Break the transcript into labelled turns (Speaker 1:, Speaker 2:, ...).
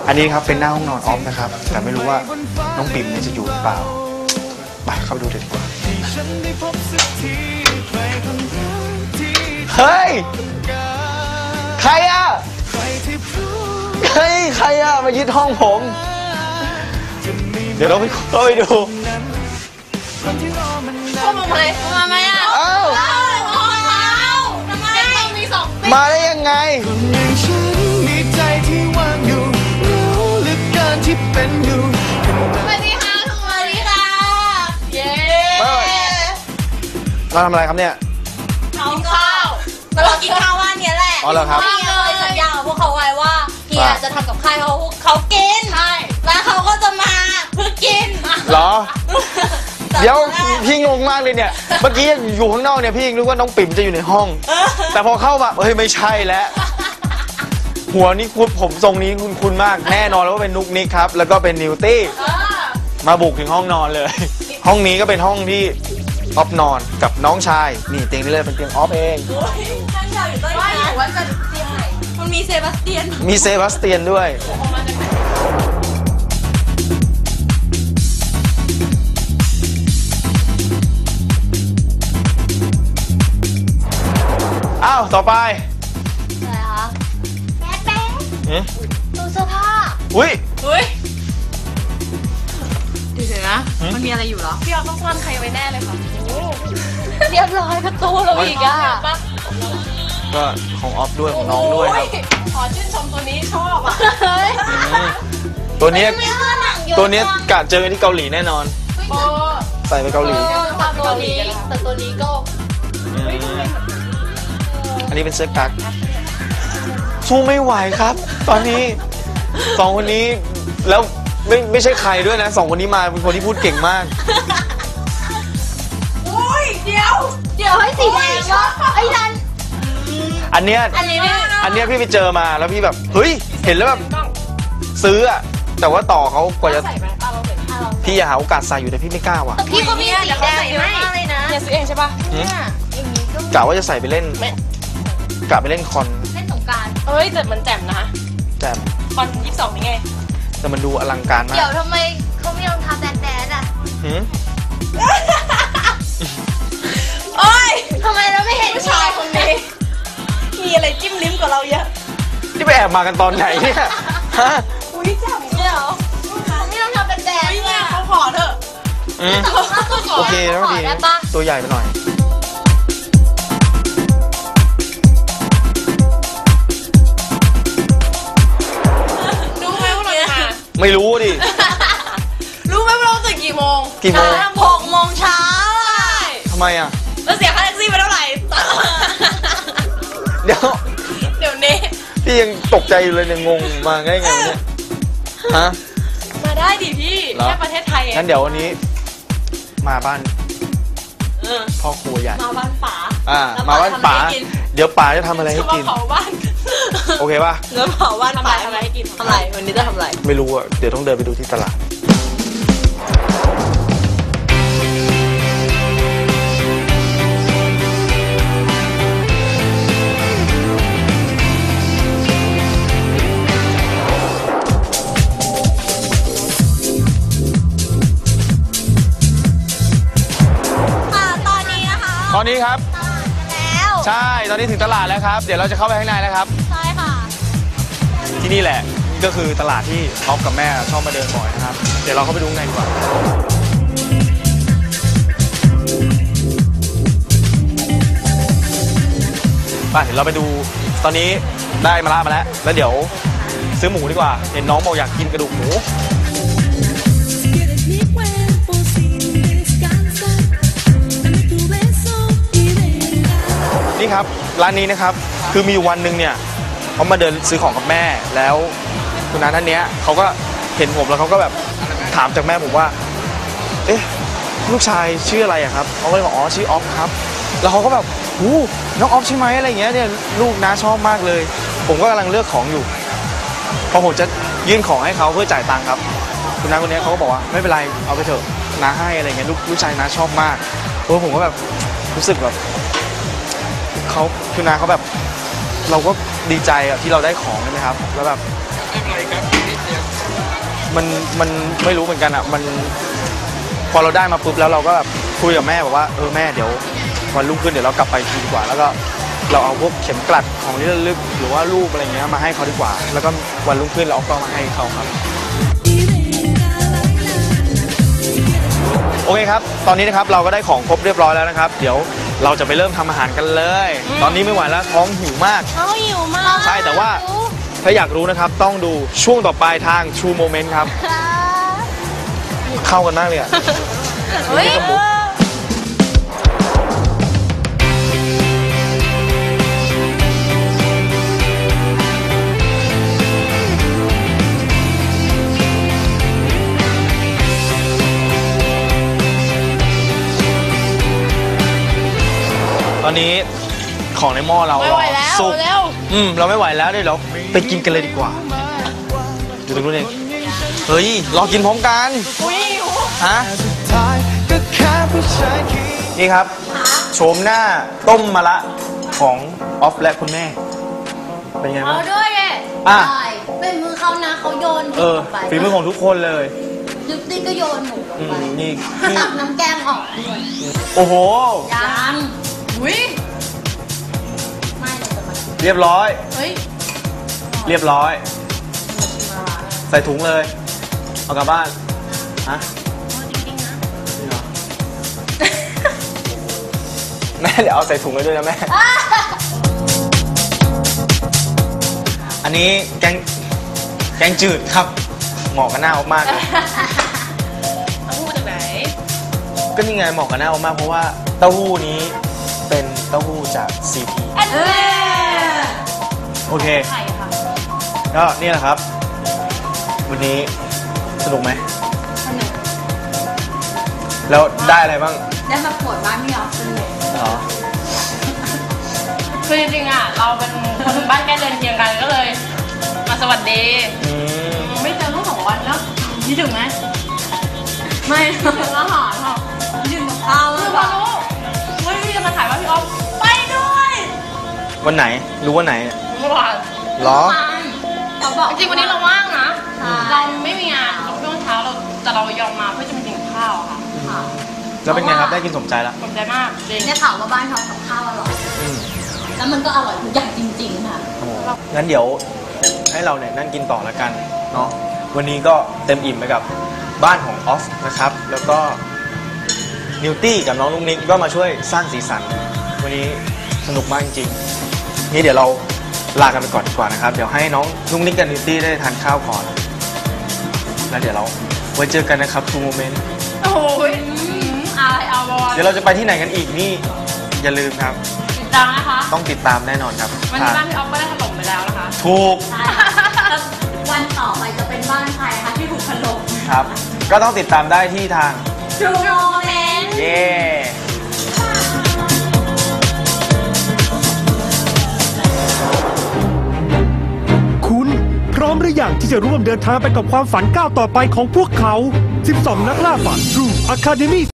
Speaker 1: อันนี้ครับเป็นหน้าห้องนอนออฟนะครับแต่ไม่รู้ว่าน้องปิ่มเนี่ยจะอยู่หรือเปล่าไปเข้าไปดูดีกว่าเฮ้ยใครอ่ะเฮ้ยใครอ่ะมายึดห้องผมเดี๋ยวเราไปเข้าไปดู
Speaker 2: เข้ามาไหมมาไหมอ่ะ
Speaker 1: อ้าว
Speaker 2: ทำไมต้องมีสอง
Speaker 1: มาได้ยังไง
Speaker 2: สวัสดีค่ะสวัสดีค่ะเย้
Speaker 1: เราทำอะไรครับเนี่ย
Speaker 2: กินข้าวเรากินข้าวว่านี้แหละ
Speaker 1: อ๋อเหรอครับ
Speaker 2: เฮียเคยสัญญากับพวกเขาไว้ว่าเฮียจะทำกับข้าวเขากินใช่แล้วเขาก็จะมาเพื่อกิน
Speaker 1: เหรอเดี๋ยวพี่งงมากเลยเนี่ยเมื่อกี้อยู่ข้างนอกเนี่ยพี่ยังนึกว่าน้องปิ่มจะอยู่ในห้องแต่พอเข้ามาเฮ้ยไม่ใช่แล้วหัวนี้ผมทรงนี้คุณมากแน่นอนแล้วว่าเป็นนุกนิกครับแล้วก็เป็นนิวตี้มาบุกถึงห้องนอนเลยห้องนี้ก็เป็นห้องที่ออฟนอนกับน้องชายนี่เตียงนี้เลยเป็นเตียงออฟเอง
Speaker 2: ท่านชายอยู่ใต้น้ำว่าจะเตียงไหนมันมีเซบาสเตียน
Speaker 1: ด้วยอ้าวต่อไป
Speaker 2: อะไรคะแป๊ะตู้เสื้อผ้า
Speaker 1: อุ้ย
Speaker 2: เดี๋ยวนะมันมีอะไรอยู่เหรอพี่ออฟต้องซ่อนใครไว้แน่เลยค่ะเรียบร้อยประตูเราอีกอ่ะ
Speaker 1: ก็ของออฟด้วยของน้องด้วยครับ
Speaker 2: ขอชื่นชมตัวนี้ชอบอ่ะ
Speaker 1: ตัวนี้กะเจอที่เกาหลีแน่นอนใส่ไปเกาหลี
Speaker 2: แต่ตัวนี้ก็
Speaker 1: อันนี้เป็นเสื้อกั๊กสู้ไม่ไหวครับตอนนี้สองคนนี้แล้วไม่ใช่ใครด้วยนะสองคนนี้มาเป็นคนที่พูดเก่งมาก
Speaker 2: โอ้ยเดี๋ยวให้สีแดงวะไอ้นั่น
Speaker 1: อันเนี้ยพี่ไปเจอมาแล้วพี่แบบเฮ้ยเห็นแล้วแบบซื้ออะแต่ว่าต่อเขากว่าจะพี่อยากหาโอกาสใส่อยู่แต่พี่ไม่กล้าว่ะ
Speaker 2: พี่ก็มีสีแดงเยอะมากเลยนะเนี่ยซื้อเองใช่ป่ะ
Speaker 1: กะว่าจะใส่ไปเล่นกะไปเล่นคอน
Speaker 2: เล่นสงกรานต์เอ้ยแต่มันแจ่มนะ
Speaker 1: แจ่ม
Speaker 2: คอน22นี่ไง
Speaker 1: แต่มันดูอลังการมาก
Speaker 2: เดี๋ยวทำไมเขาไม่ยอมทำแดนอ่ะโอ้ยทำไมเราไม่เห็นผู้ชายคนนี้มีอะไรจิ้มลิ้มกว่าเราเยอะ
Speaker 1: ที่ไปแอบมากันตอนไหนเนี่ยฮะ
Speaker 2: อุ้ยจับเนี่ยเหรอไม่ต้องทำแดนเนี่ยเขาขอเถอะ
Speaker 1: โอเคแล้วดีตัวใหญ่ไปหน่อยไม่รู้ดิ
Speaker 2: รู้ไหมว่าเราตื่นกี่โมง6 โมงเช้า
Speaker 1: ทำไมอ่ะ
Speaker 2: แล้วเสียค่าแท็กซี่ไปเท่าไหร่
Speaker 1: เดี๋ยว
Speaker 2: นี้
Speaker 1: พี่ยังตกใจอยู่เลยเนี่ยงงมาไงเนี่ยฮะ
Speaker 2: มาได้ดิพี่แค่ประเทศไทย
Speaker 1: งั้นเดี๋ยววันนี้มาบ้านพ่อครัวใหญ่
Speaker 2: มาบ้านป๋า
Speaker 1: มาบ้านป๋าเดี๋ยวป๋าจะทำอะไรให้กิน
Speaker 2: เผาบ้าน
Speaker 1: โอเคป่ะ
Speaker 2: แล้วเผาบ้านป๋าทำอะไรให้กินทำอะไรวันนี้จะทำอะไร
Speaker 1: ไม่รู้อ่ะเดี๋ยวต้องเดินไปดูที่ตลาดตอนนี้ครับ
Speaker 2: แล้ว
Speaker 1: ใช่ตอนนี้ถึงตลาดแล้วครับเดี๋ยวเราจะเข้าไปข้างในแล้วครับ
Speaker 2: ใช่ค่ะ
Speaker 1: ที่นี่แหละก็คือตลาดที่ออฟกับแม่ชอบมาเดินบ่อยนะครับเดี๋ยวเราเข้าไปดูข้างในดีกว่าเดี๋ยวเราไปดูตอนนี้ได้มาแล้วแล้วเดี๋ยวซื้อหมูดีกว่าเห็นน้องบอกอยากกินกระดูกหมูนี่ครับร้านนี้นะครับคือมีวันหนึ่งเนี่ยเขามาเดินซื้อของกับแม่แล้วคุณน้าท่านนี้เขาก็เห็นผมแล้วเขาก็แบบถามจากแม่ผมว่าเอ๊ะลูกชายชื่ออะไรอะครับเขาก็เลยบอกอ๋อชื่อออฟครับแล้วเขาก็แบบน้องออฟใช่ไหมอะไรอย่างเงี้ยเนี่ยลูกน้าชอบมากเลยผมก็กำลังเลือกของอยู่พอผมจะยื่นของให้เขาเพื่อจ่ายตังค์ครับคุณน้าคนนี้เขาก็บอกว่าไม่เป็นไรเอาไปเถอะน้าให้อะไรเงี้ยลูกชายน้าชอบมากผมก็แบบรู้สึกแบบเขาคือนาเขาแบบเราก็ดีใจที่เราได้ของใช่ไหมครับแล้วแบบมันไม่รู้เหมือนกันอ่ะมันพอเราได้มาปุ๊บแล้วเราก็แบบคุยกับแม่บอกว่าแม่เดี๋ยววันรุ่งขึ้นเดี๋ยวเรากลับไปทีดีกว่าแล้วก็เราเอาพวกเข็มกลัดของที่ระลึกหรือว่ารูปอะไรเงี้ยมาให้เขาดีกว่า แล้วก็วันรุ่งขึ้นเราเอากล้องมาให้เขาครับโอเคครับตอนนี้นะครับเราก็ได้ของครบเรียบร้อยแล้วนะครับเดี๋ยวเราจะไปเริ่มทำอาหารกันเลย ตอนนี้ไม่ไหวแล้วท้องหิวมาก
Speaker 2: เขาหิวมาก
Speaker 1: ใช่แต่ว่าถ้าอยากรู้นะครับต้องดูช่วงต่อไปทาง True Moment ครับเข้ากันมากเลยอ่ะ
Speaker 2: เฮ้ย
Speaker 1: ตอนนี้ของในหม้อเรา
Speaker 2: ไม่ไหวแล้ว
Speaker 1: สุก
Speaker 2: เร็ว
Speaker 1: เราไม่ไหวแล้วเดี๋ยวเราไปกินกันเลยดีกว่าอยู่ตรงนู้นเองเฮ้ยรอกินพร้อมกัน
Speaker 2: อุ้ยหิว
Speaker 1: ฮะนี่ครับโฉมหน้าต้มมะระของออฟและคุณแม่เป็นไง
Speaker 2: เอา
Speaker 1: บ้าง
Speaker 2: ด้วยไง
Speaker 1: อ่ะ
Speaker 2: ได้เป็นมือเขานะเขาโยนหมูลงไป
Speaker 1: ฝีมือของทุกคนเลย
Speaker 2: ยุติก็โยนหมูลงไป
Speaker 1: นี่
Speaker 2: ตักน้ำแกงออกด้วย
Speaker 1: โอ้โห
Speaker 2: ยังอุ้ยไม่เราจะมา
Speaker 1: เรียบร้อย
Speaker 2: เฮ้ย
Speaker 1: เรียบร้อย ใส่ถุงเลย เอากลับบ้านฮะ
Speaker 2: จริงๆนะ
Speaker 1: จริงเหรอ แม่เดี๋ยวเอาใส่ถุงเลยด้วยนะแม่ อันนี้แกงจืดครับ เหมาะกับหน้าออกมากเลย
Speaker 2: เอาพูดจากไหน
Speaker 1: ก็นี่ไงเหมาะกับหน้าออกมากเพราะว่าเต้าหู้นี้เป็นเต้าหู้จาก CP
Speaker 2: อันนี้
Speaker 1: โอเค
Speaker 2: ไข่ค่ะ
Speaker 1: ก็นี่แหละครับ วันนี้สนุกไหม
Speaker 2: สนุก
Speaker 1: แล้วได้อะไรบ้าง
Speaker 2: ได้มาปวดบ้านพี่ออฟสนุก
Speaker 1: อ๋อ
Speaker 3: คือจริงๆอ่ะเราเป็นคนบ้านใกล้เรือนเคียงกันก็เลย มาสวัสดี
Speaker 1: อืม
Speaker 3: ไม่เจอเมื่อ2 วันแล้วคิดถึงไหม
Speaker 2: ไม่
Speaker 3: คิดถึงอาหารค่ะ
Speaker 2: ยืนกับข้าว
Speaker 3: คือพอรู้ว่าพี่จะมาถ่ายว่าพี่ออฟไปด้วย
Speaker 1: วันไหน รู้วันไหน
Speaker 3: เมื่อวาน
Speaker 1: เหรอ
Speaker 2: เขาบอก
Speaker 3: จริงๆวันนี้เราว่างนะ
Speaker 2: ใช่
Speaker 3: เราไม่มีงานช่วงเช้าเราแต่เรายอมมาเพื่อจะมากินข้าวค่ะ
Speaker 2: ค่ะ
Speaker 1: แล้วเป็นไงครับ ได้กินสมใจแล้ว
Speaker 3: สนใจมากจริง
Speaker 2: ได้ข่าวว่าบ้านเขากับข้าวอร่อย
Speaker 1: อืม
Speaker 2: แล้วมันก็อร่อยทุกอย่างจริงๆค่ะ
Speaker 1: โอ้โหงั้นเดี๋ยวให้เราเนี่ยนั่งกินต่อแล้วกันเนาะ วันนี้ก็เต็มอิ่มไปกับบ้านของออฟนะครับ แล้วก็นิวตี้กับน้องลุงนิกก็มาช่วยสร้างสีสัน วันนี้สนุกมากจริงๆนี่เดี๋ยวเราลากันไปก่อนดีกว่านะครับ เดี๋ยวให้น้องลุงนิกกับนิวตี้ได้ทานข้าวก่อน แล้วเดี๋ยวเราไว้เจอกันนะครับ True Moment
Speaker 3: โอ้ยอะไรเอาบอล
Speaker 1: เดี๋ยวเราจะไปที่ไหนกันอีกนี่อย่าลืมครับ
Speaker 3: ติดตามนะคะ
Speaker 1: ต้องติดตามแน่นอนครับ
Speaker 3: วันนี้บ้านพี่ออฟก็ได้ถล่มไปแล้วนะคะ
Speaker 1: ถูก
Speaker 2: ใช่แล้ววันต่อไปจะเป็นบ้านใครคะที่ถูกถล่ม
Speaker 1: ครับ ก็ต้องติดตามได้ที่ทาง
Speaker 2: True Moment
Speaker 1: เย้
Speaker 4: คุณพร้อมหรือยังที่จะร่วมเดินทางไปกับความฝันก้าวต่อไปของพวกเขา 12 นักล่าฝัน True Academy